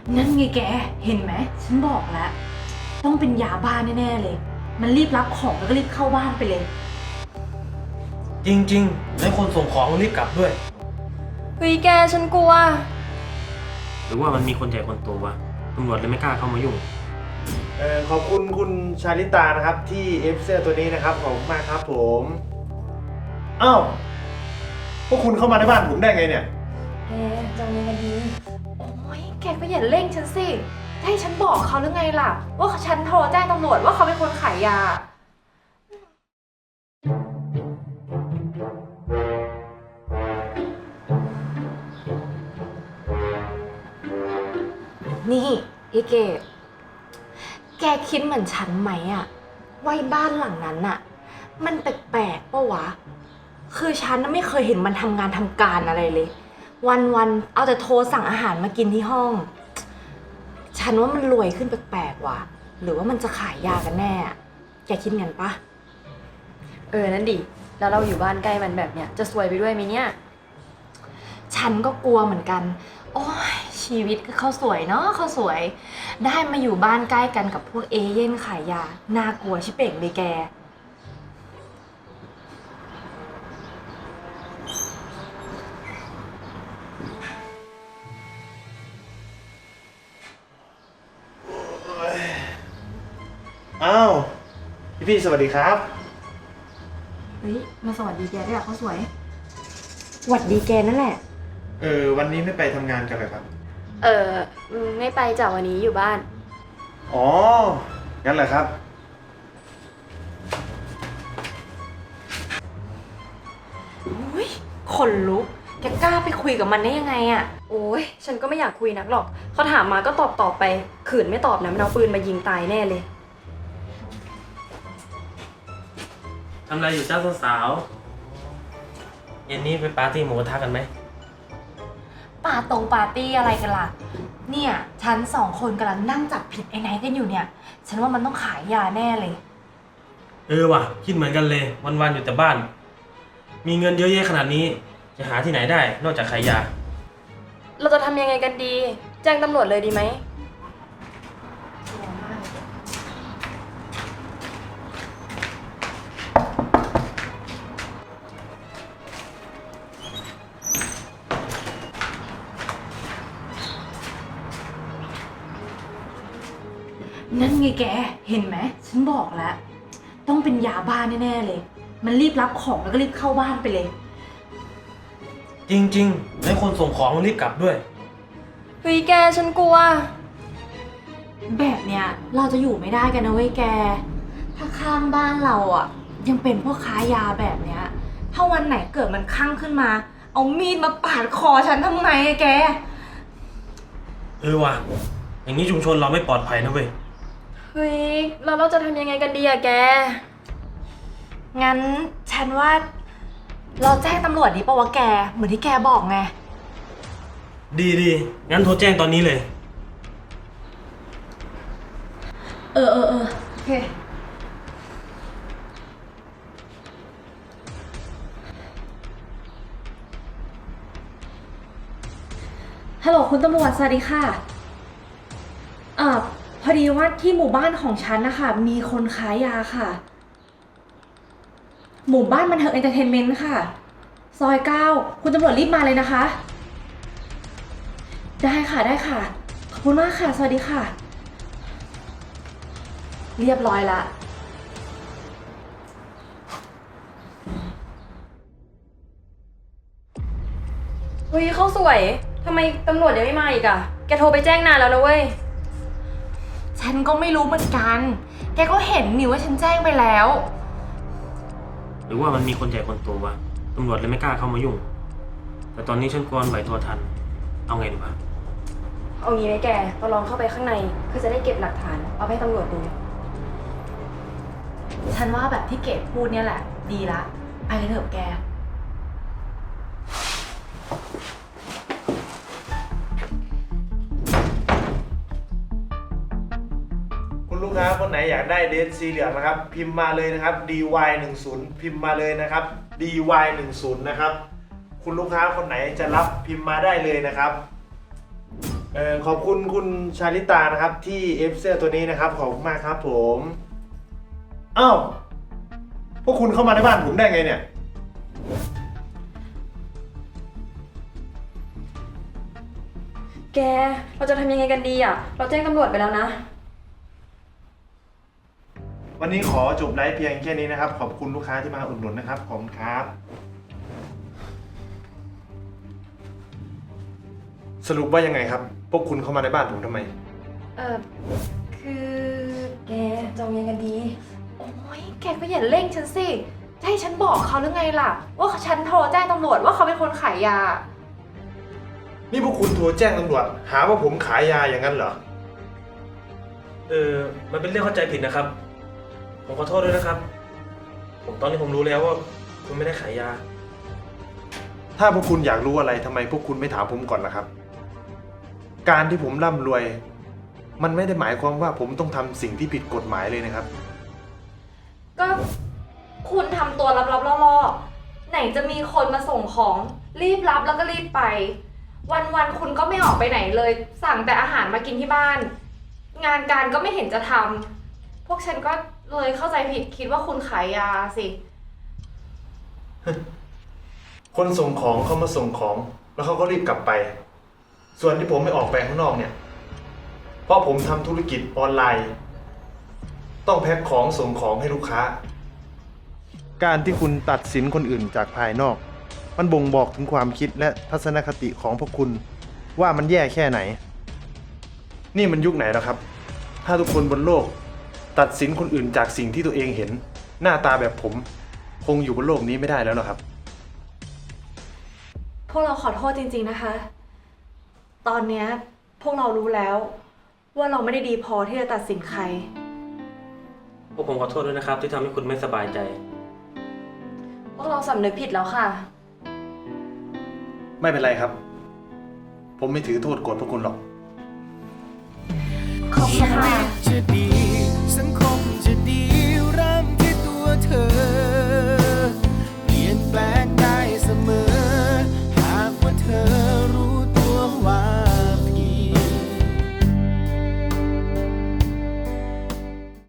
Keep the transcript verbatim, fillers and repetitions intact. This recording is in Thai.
นั่นไงแกเห็นไหมฉันบอกแล้วต้องเป็นยาบ้าแน่ๆเลยมันรีบรับของแล้วก็รีบเข้าบ้านไปเลยจริงๆแล้วคนส่งของรีบกลับด้วยเฮ้ยแกฉันกลัวหรือว่ามันมีคนใหญ่คนโตวะตำรวจเลยไม่กล้าเข้ามายุ่งเออขอบคุณคุณชาลิตานะครับที่เอฟเสื้อตัวนี้นะครับขอบคุณมากครับผมอ้าวพวกคุณเข้ามาในบ้านผมได้ไงเนี่ยแกจะยังไงกันดีโอ้ยแกก็อย่าเร่งฉันสิให้ฉันบอกเขาหรือไงล่ะว่าฉันโทรแจ้งตำรวจว่าเขาเป็นคนขายยานี่ไอ้เกดแกคิดเหมือนฉันไหมอะว่าบ้านหลังนั้นอะมันแปลกๆปะวะคือฉันน่ะไม่เคยเห็นมันทำงานทำการอะไรเลยวันๆเอาแต่โทรสั่งอาหารมากินที่ห้องฉันว่ามันรวยขึ้นแปลกๆว่ะหรือว่ามันจะขายยากันแน่แกคิดงั้นปะเออนั่นดิแล้วเราอยู่บ้านใกล้มันแบบเนี้ยจะซวยไปด้วยไหมเนี่ยฉันก็กลัวเหมือนกันโอ้ยชีวิตก็เขาสวยเนาะเขาสวยได้มาอยู่บ้านใกล้กันกับพวกเอเย่นขายยาน่ากลัวชิบเป่งเลยแกอ้าวพี่พี่สวัสดีครับเฮ้ยมาสวัสดีแกด้วยอะเขาสวยสวัสดีแกนั่นแหละเออวันนี้ไม่ไปทำงานกันเลยครับเออไม่ไปจากวันนี้อยู่บ้านอ๋องั้นเหรอครับอุ้ยขนลุกแกกล้าไปคุยกับมันได้ยังไงอะโอ้ยฉันก็ไม่อยากคุยนักหรอกเขาถามมาก็ตอบตอบไปขืนไม่ตอบนะมันเอาปืนมายิงตายแน่เลยทำอะไรอยู่เจ้าสาวๆเย็นนี้ไปปาร์ตี้หมูกระทะกันไหมปาตรงปาร์ตี้อะไรกันล่ะเนี่ยฉันสองคนกำลังนั่งจับผิดไอ้ไหนกันอยู่เนี่ยฉันว่ามันต้องขายยาแน่เลยเออว่ะคิดเหมือนกันเลยวันๆอยู่แต่บ้านมีเงินเยอะแยะขนาดนี้จะหาที่ไหนได้นอกจากขายยาเราจะทำยังไงกันดีแจ้งตำรวจเลยดีไหมนั่นไงแกเห็นไหมฉันบอกแล้วต้องเป็นยาบ้าแน่ๆเลยมันรีบรับของแล้วก็รีบเข้าบ้านไปเลยจริงๆแล้วคนส่งของรีบกลับด้วยเฮ้ยแกฉันกลัวแบบเนี้ยเราจะอยู่ไม่ได้กันนะเว้ยแกถ้าข้างบ้านเราอ่ะยังเป็นพวกค้ายาแบบเนี้ยถ้าวันไหนเกิดมันคลั่งขึ้นมาเอามีดมาปาดคอฉันทำไงอะแกเออว่ะอย่างนี้ชุมชนเราไม่ปลอดภัยนะเว้ยเฮ้ยเราเราจะทำยังไงกันดีอะแกงั้นฉันว่าเราแจ้งตำรวจดีป่าวะแกเหมือนที่แกบอกไงดีดีงั้นโทรแจ้งตอนนี้เลยเออเออเออโอเคฮัลโหลคุณตำรวจสวัสดีค่ะเอ่อพอดีว่าที่หมู่บ้านของฉันนะคะมีคนขายยาค่ะหมู่บ้านบันเทิงเอนเตอร์เทนเมนต์ค่ะซอยเก้าคุณตำรวจรีบมาเลยนะคะได้ค่ะได้ค่ะขอบคุณมากค่ะสวัสดีค่ะเรียบร้อยละเฮ้ยเขาสวยทำไมตำรวจยังไม่มาอีกอะแกโทรไปแจ้งนานแล้วนะเว้ยฉันก็ไม่รู้เหมือนกันแกก็เห็นนี่ว่าฉันแจ้งไปแล้วหรือว่ามันมีคนใหญ่คนโตวะตำรวจเลยไม่กล้าเข้ามายุ่งแต่ตอนนี้ฉันกลัวไหวตัวทันเอาไงดีวะเอางี้ไหมแกเราลองเข้าไปข้างในเพื่อจะได้เก็บหลักฐานเอาให้ตำรวจดูฉันว่าแบบที่เกดพูดเนี่ยแหละดีละไปเลยเถอะแกคุณลูกค้าคนไหนอยากได้เลนส์สีเหลืองนะครับพิมพ์มาเลยนะครับ ดี วาย หนึ่งศูนย์ พิมพ์มาเลยนะครับ ดี วาย หนึ่งศูนย์ นะครับคุณลูกค้าคนไหนจะรับพิมพ์มาได้เลยนะครับเออขอบคุณคุณชาลิตานะครับ ที่เอฟเสื้อตัวนี้นะครับ ขอบคุณมากครับผมอ้าวพวกคุณเข้ามาในบ้านผมได้ไงเนี่ยแก เราจะทำยังไงกันดีอ่ะ เราแจ้งตำรวจไปแล้วนะวันนี้ขอจบไลฟ์เพียงแค่นี้นะครับ ขอบคุณลูกค้าที่มาอุดหนุนนะครับ ขอบคุณครับ สรุปว่ายังไงครับ พวกคุณเข้ามาในบ้านผมทำไมเออคือแกจะเอายังไงกันดีโอ้ยแกก็อย่าเร่งฉันสิจะให้ฉันบอกเขาหรือไงล่ะ ว่าฉันโทรแจ้งตำรวจว่าเขาเป็นคนขายยานี่พวกคุณโทรแจ้งตำรวจหาว่าผมขายยาอย่างนั้นเหรอเออ มันเป็นเรื่องเข้าใจผิดนะครับ ผมขอโทษด้วยนะครับ ผมตอนนี้ผมรู้แล้วว่าคุณไม่ได้ขายยาถ้าพวกคุณอยากรู้อะไรทำไมพวกคุณไม่ถามผมก่อนล่ะครับ การที่ผมร่ำรวย มันไม่ได้หมายความว่าผมต้องทำสิ่งที่ผิดกฎหมายเลยนะครับก็คุณทำตัวลับๆล่อๆไหนจะมีคนมาส่งของรีบรับแล้วก็รีบไป วันๆคุณก็ไม่ออกไปไหนเลย สั่งแต่อาหารมากินที่บ้าน งานการก็ไม่เห็นจะทำพวกฉันก็เลยเข้าใจผิดคิดว่าคุณขายยาสิคนส่งของเขามาส่งของ แล้วเขาก็รีบกลับไป ส่วนที่ผมไม่ออกไปข้างนอกเนี่ย เพราะผมทำธุรกิจออนไลน์ ต้องแพ็คของส่งของให้ลูกค้า การที่คุณตัดสินคนอื่นจากภายนอก มันบ่งบอกถึงความคิดและทัศนคติของพวกคุณว่ามันแย่แค่ไหน นี่มันยุคไหนแล้วครับ ถ้าทุกคนบนโลก ตัดสินคนอื่นจากสิ่งที่ตัวเองเห็น หน้าตาแบบผม คงอยู่บนโลกนี้ไม่ได้แล้วนะครับพวกเราขอโทษจริงๆนะคะ ตอนเนี้ยพวกเรารู้แล้ว ว่าเราไม่ได้ดีพอที่จะตัดสินใครพวกผมขอโทษด้วยนะครับ ที่ทำให้คุณไม่สบายใจพวกเราสำนึกผิดแล้วค่ะไม่เป็นไรครับ ผมไม่ถือโทษโกรธพวกคุณหรอก